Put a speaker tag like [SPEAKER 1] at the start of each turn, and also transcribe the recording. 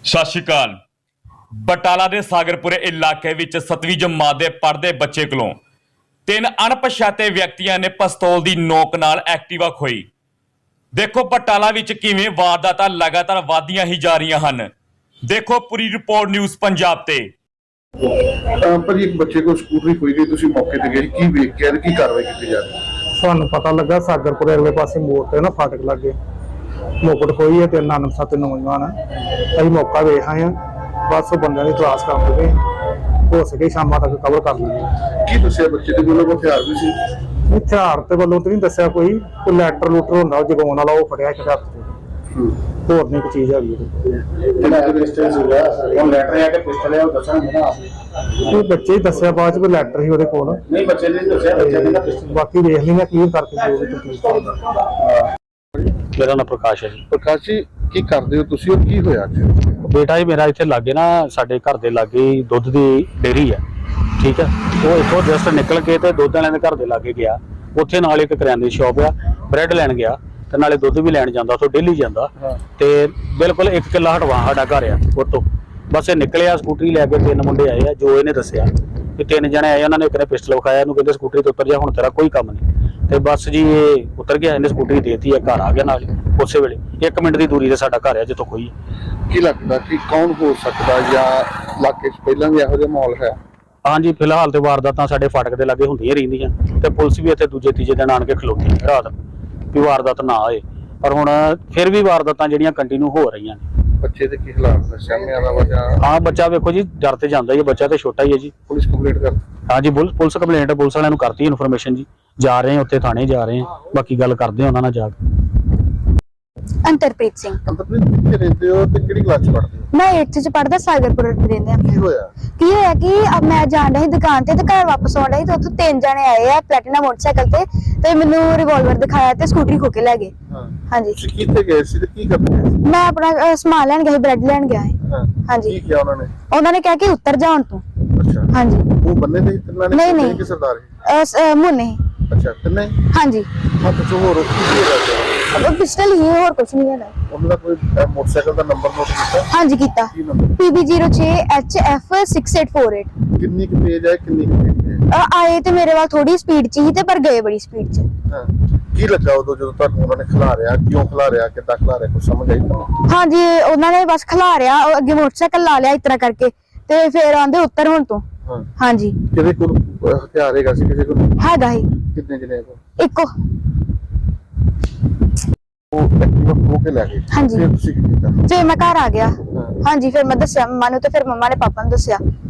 [SPEAKER 1] ਸਤਿ ਸ਼੍ਰੀ ਅਕਾਲ। ਬਟਾਲਾ ਦੇ ਸਾਗਰਪੁਰੇ ਇਲਾਕੇ ਵਿੱਚ 7ਵੀਂ ਜਮਾਤ ਦੇ ਪੜ੍ਹਦੇ ਬੱਚੇ ਕੋਲੋਂ 3 ਅਣਪਛਾਤੇ ਵਿਅਕਤੀਆਂ ਨੇ ਪਿਸਤੌਲ ਦੀ ਨੋਕ ਨਾਲ ਐਕਟਿਵਾ ਖੋਈ। ਦੇਖੋ ਬਟਾਲਾ ਵਿੱਚ ਕਿਵੇਂ ਵਾਰਦਾਤਾਂ ਲਗਾਤਾਰ ਵਧਦੀਆਂ ਹੀ ਜਾ ਰਹੀਆਂ ਹਨ। ਦੇਖੋ ਪੂਰੀ ਰਿਪੋਰਟ ਨਿਊਜ਼ ਪੰਜਾਬ ਤੇ।
[SPEAKER 2] ਭਾਜੀ ਇੱਕ ਬੱਚੇ ਕੋਲ ਸਕੂਟਰੀ ਖੋਈ ਗਈ, ਤੁਸੀਂ ਮੌਕੇ ਤੇ ਗਏ, ਕੀ ਵੇਖ ਕੇ ਕੀ ਕਾਰਵਾਈ ਕੀਤੀ ਜਾ ਰਹੀ ਹੈ?
[SPEAKER 3] ਸਾਨੂੰ ਪਤਾ ਲੱਗਾ ਸਾਗਰਪੁਰ ਅਗਲੇ ਪਾਸੇ ਮੋੜ ਤੇ ਨਾ ਫਾਟਕ ਲੱਗੇ ਮੋਕਟ ਖੋਈ ਹੈ ਤੇ ਅਣਪਛਾਤੇ ਨੌਜਵਾਨ ਅਸੀਂ ਮੌਕਾ ਵੇਖ ਆਏ ਹਾਂ। ਬਸ ਉਹ ਬੰਦਿਆਂ ਦੀ ਤਲਾਸ਼ ਕਰਦੇ ਪਏ, ਹੋ ਸਕੇ ਸ਼ਾਮਾਂ ਤੱਕ ਕਵਰ ਕਰ ਲਵਾਂਗੇ।
[SPEAKER 2] ਕੀ ਦੱਸਿਆ ਬੱਚੇ ਦੇ ਕੋਲ? ਹਥਿਆਰ ਵੀ ਸੀ?
[SPEAKER 3] ਹਥਿਆਰ ਤੇ ਵੱਲੋਂ ਤੇ ਨਹੀਂ ਦੱਸਿਆ, ਕੋਈ ਲੈਟਰ ਲੂਟਰ ਹੁੰਦਾ ਜਗਾਉਣ ਵਾਲਾ ਉਹ ਫੜਿਆ ਇੱਕ ਹੱਥ ਤੇ, ਹੋਰ ਨਹੀਂ ਕੋਈ ਚੀਜ਼ ਹੈਗੀ। ਉਹ ਬੱਚੇ ਹੀ ਦੱਸਿਆ, ਬਾਅਦ ਚ ਕੋਈ ਲੈਟਰ ਸੀ ਉਹਦੇ ਕੋਲ।
[SPEAKER 2] ਨਹੀਂ ਬੱਚੇ ਨੇ ਦੱਸਿਆ,
[SPEAKER 3] ਬਾਕੀ ਵੇਖ ਲੈਣਾ ਕਲੀਅਰ ਕਰਕੇ ਜੋ ਵੀ ਤਕਲੀਫ।
[SPEAKER 4] ਮੇਰਾ ਨਾਮ ਪ੍ਰਕਾਸ਼ ਹੈ ਜੀ।
[SPEAKER 2] ਪ੍ਰਕਾਸ਼ ਜੀ ਕੀ ਕਰਦੇ ਹੋ ਤੁਸੀਂ, और ਕੀ ਹੋਇਆ ਅੱਜ?
[SPEAKER 4] ਬੇਟਾ ਜੀ ਮੇਰਾ ਇੱਥੇ ਲਾਗੇ ਨਾ, ਸਾਡੇ ਘਰ ਦੇ ਲਾਗੇ ਦੁੱਧ ਦੀ ਡੇਅਰੀ ਹੈ, ਠੀਕ ਹੈ। ਉਹ ਇੱਥੋਂ ਜਸਟ ਨਿਕਲ ਕੇ ਤੇ ਦੁੱਧ ਵਾਲਿਆਂ ਦੇ ਘਰ ਦੇ ਲਾਗੇ ਗਿਆ। ਉੱਥੇ ਨਾਲ ਇੱਕ ਕਰਿਆਨੇ ਦੀ ਸ਼ਾਪ ਆ, ਬ੍ਰੈਡ ਲੈਣ ਗਿਆ ਤੇ ਨਾਲੇ ਦੁੱਧ ਵੀ ਲੈਣ ਜਾਂਦਾ, ਉੱਥੋਂ ਡੇਲੀ ਜਾਂਦਾ। ਤੇ ਬਿਲਕੁਲ 1 ਕਿੱਲਾ ਹਟਵਾ ਸਾਡਾ ਘਰ ਆ ਉੱਥੋਂ। ਬਸ ਇਹ ਨਿਕਲਿਆ ਸਕੂਟਰੀ ਲੈ ਕੇ, 3 ਮੁੰਡੇ ਆਏ ਆ, ਜੋ ਇਹਨੇ ਦੱਸਿਆ ਕਿ 3 ਜਣੇ ਆਏ। ਉਹਨਾਂ ਨੇ ਇੱਕ ਨੇ ਪਿਸਟਲ ਵਿਖਾਇਆ, ਇਹਨੂੰ ਕਹਿੰਦੇ ਸਕੂਟਰੀ ਤੋਂ ਉਤਰ ਜਾ, ਹੁਣ ਤੇਰਾ ਕੋਈ ਕੰਮ ਨਹੀਂ। ਤੇ ਬਸ ਜੀ ਇਹ ਉਤਰ ਗਿਆ, ਇਹਨੇ ਸਕੂਟਰੀ ਦੇਤੀ ਹੈ, ਘਰ ਆ ਗਿਆ ਨਾਲ ਉਸੇ ਵੇਲੇ। 1 ਮਿੰਟ ਦੀ ਦੂਰੀ ਤੇ ਸਾਡਾ ਘਰ ਆ ਜਿੱਥੋਂ ਖੋਈ।
[SPEAKER 2] ਕੀ ਲੱਗਦਾ ਕਿ ਕੌਣ ਹੋ ਸਕਦਾ, ਜਾਂ ਇਲਾਕੇ 'ਚ ਪਹਿਲਾਂ ਵੀ ਇਹੋ ਜਿਹਾ ਮਾਹੌਲ ਹੈ?
[SPEAKER 4] ਹਾਂਜੀ ਫਿਲਹਾਲ ਤੇ ਵਾਰਦਾਤਾਂ ਸਾਡੇ ਫਾਟਕ ਦੇ ਲਾਗੇ ਹੁੰਦੀਆਂ ਰਹਿੰਦੀਆਂ, ਤੇ ਪੁਲਿਸ ਵੀ ਇੱਥੇ ਦੂਜੇ ਤੀਜੇ ਦਿਨ ਆਣ ਕੇ ਖਲੋਤੀ ਰਾਤ ਵੀ ਵਾਰਦਾਤ ਨਾ ਆਏ। ਪਰ ਹੁਣ ਫਿਰ ਵੀ ਵਾਰਦਾਤਾਂ ਜਿਹੜੀਆਂ ਕੰਟੀਨਿਊ ਹੋ ਰਹੀਆਂ ਨੇ।
[SPEAKER 2] ਬੱਚੇ ਦੇ ਕੀ ਹਾਲਾਤ ਨੇ? ਸਾਹਮਣੇ ਦਾ ਵਜਾ?
[SPEAKER 4] ਹਾਂ ਬੱਚਾ ਵੇਖੋ ਜੀ ਡਰ ਤੇ ਜਾਂਦਾ ਹੀ, ਬੱਚਾ ਤੇ ਛੋਟਾ ਹੀ ਹੈ ਜੀ।
[SPEAKER 2] ਪੁਲਿਸ ਕੰਪਲੀਟ ਕਰ?
[SPEAKER 4] ਹਾਂਜੀ ਪੁਲਿਸ ਕੰਪਲੇਂਟ ਪੁਲਿਸ ਵਾਲਿਆਂ ਨੂੰ ਕਰਤੀ ਇਨਫੋਰਮੇਸ਼ਨ ਜੀ, ਜਾ ਰਹੇ ਹਾਂ ਉੱਥੇ ਥਾਣੇ ਜਾ ਰਹੇ ਹਾਂ, ਬਾਕੀ ਗੱਲ ਕਰਦੇ ਹਾਂ ਉਹਨਾਂ ਨਾਲ ਜਾ ਕੇ।
[SPEAKER 5] ਅੰਤਰਪ੍ਰੀਤ ਸਿੰਘ।
[SPEAKER 2] ਅੰਤਰਪ੍ਰੀਤ ਕਿੱਥੇ ਰਹਿੰਦੇ ਹੋ ਤੇ ਕਿਹੜੀ ਕਲਾਸ 'ਚ ਪੜ੍ਹਦੇ ਹੋ?
[SPEAKER 5] ਮੈਂ 8th ਚ ਪੜਦਾ, ਸਾਗਰਪੁਰ ਰਹਿੰਦੇ ਆ।
[SPEAKER 2] ਕੀ ਹੋਇਆ
[SPEAKER 5] ਕਿ ਮੈਂ ਜਾਣ ਰਹੀ ਦੁਕਾਨ ਤੇ ਘਰ ਵਾਪਸ ਆਉਣ ਰਹੀ ਤੇ ਉੱਥੋਂ 3 ਜਣੇ ਆਏ ਆ ਪਲੈਟੀਨਾ ਮੋਟਰਸਾਈਕਲ ਤੇ ਮੈਨੂੰ ਰਿਵਾਲਵਰ ਦਿਖਾਇਆ ਤੇ ਸਕੂਟਰੀ ਖੋ ਕੇ ਲੈ ਗਏ। ਹਾਂਜੀ।
[SPEAKER 2] ਤੁਸੀਂ ਕਿੱਥੇ ਗਏ ਸੀ ਤੇ ਕੀ ਕਰਦੇ ਗਏ ਸੀ?
[SPEAKER 5] ਮੈਂ ਆਪਣਾ ਸਮਾਨ ਲੈਣ ਗਿਆ ਸੀ, ਬ੍ਰੈਡ ਲੈਣ ਗਿਆ ਸੀ। ਹਾਂਜੀ।
[SPEAKER 2] ਕੀ ਕਿਹਾ ਉਹਨਾਂ ਨੇ?
[SPEAKER 5] ਉਹਨਾਂ ਨੇ ਕਿਹਾ ਕਿ ਉੱਤਰ ਜਾ ਹੁਣ ਤੂੰ।
[SPEAKER 2] ਅੱਛਾ।
[SPEAKER 5] ਹਾਂਜੀ।
[SPEAKER 2] ਉਹ ਬੰਨੇ ਤੇ ਤਿੰਨਾਂ ਨੇ?
[SPEAKER 5] ਨਹੀਂ
[SPEAKER 2] ਕਿ ਸਰਦਾਰ ਹੀ?
[SPEAKER 5] ਮੁੰਨੇ।
[SPEAKER 2] ਅੱਛਾ ਤਿੰਨੇ?
[SPEAKER 5] ਹਾਂਜੀ।
[SPEAKER 2] ਹੱਥ 'ਚ ਹੋਰ ਕੀ ਹੈਗਾ?
[SPEAKER 5] ਉਹ ਪਿਸਟਲ ਹੀ, ਹੋਰ ਕੁਝ ਨਹੀਂ ਹੈ।
[SPEAKER 2] ਉਹਨਾਂ ਦਾ ਕੋਈ ਮੋਟਰਸਾਈਕਲ ਦਾ ਨੰਬਰ ਨੋਟ ਕੀਤਾ?
[SPEAKER 5] ਹਾਂਜੀ ਕੀਤਾ।
[SPEAKER 2] ਕੀ ਨੰਬਰ?
[SPEAKER 5] PB06HF6848।
[SPEAKER 2] ਕਿੰਨੀ ਕੁ ਤੇਜ਼ ਹੈ, ਕਿੰਨੀ ਕੁ ਤੇਜ਼ ਹੈ?
[SPEAKER 5] ਆਏ ਤੇ ਮੇਰੇ ਵੱਲ ਥੋੜੀ ਸਪੀਡ ਚ ਹੀ ਤੇ ਪਰ ਗਏ ਬੜੀ ਸਪੀਡ ਚ।
[SPEAKER 2] ਹਾਂ। ਕੀ ਲੱਗਾ ਉਦੋਂ ਜਦੋਂ ਤੁਹਾਨੂੰ ਉਹਨਾਂ ਨੇ ਖਿਲਾਰਿਆ? ਕਿਉਂ ਖਿਲਾਰਿਆ, ਕਿੱਦਾਂ ਖਿਲਾਰਿਆ, ਕੁਝ ਸਮਝ ਆਈ ਤੁਹਾਨੂੰ?
[SPEAKER 5] ਹਾਂਜੀ ਉਹਨਾਂ ਨੇ ਬਸ ਖਿਲਾਰਿਆ, ਅੱਗੇ ਮੋਟਰਸਾਈਕਲ ਲਾ ਲਿਆ ਇਸ ਤਰ੍ਹਾਂ ਕਰਕੇ ਤੇ ਫਿਰ ਆਂਦੇ ਉੱਤਰ ਹੁਣ ਤੋਂ। ਹਾਂਜੀ।
[SPEAKER 2] ਕਿਹਦੇ ਕੋਲ ਹਥਿਆਰ ਹੈਗਾ ਸੀ? ਕਿਸੇ ਕੋਲ
[SPEAKER 5] ਹੈਗਾ ਹੀ
[SPEAKER 2] ਕਿੰਨੇ ਜਣੇ ਕੋਲ?
[SPEAKER 5] ਇੱਕੋ।
[SPEAKER 2] ਉਹ ਐਕਟਿਵਾ ਖੋ ਕੇ ਲੈ ਗਏ?
[SPEAKER 5] ਹਾਂਜੀ।
[SPEAKER 2] ਫਿਰ ਤੁਸੀਂ ਕੀ ਕੀਤਾ?
[SPEAKER 5] ਫਿਰ ਮੈਂ ਘਰ ਆ ਗਿਆ। ਹਾਂਜੀ ਫਿਰ ਮੈਂ ਦੱਸਿਆ ਮੰਮਾ ਨੂੰ ਤੇ ਫਿਰ ਮੰਮਾ ਨੇ ਪਾਪਾ ਨੂੰ ਦੱਸਿਆ।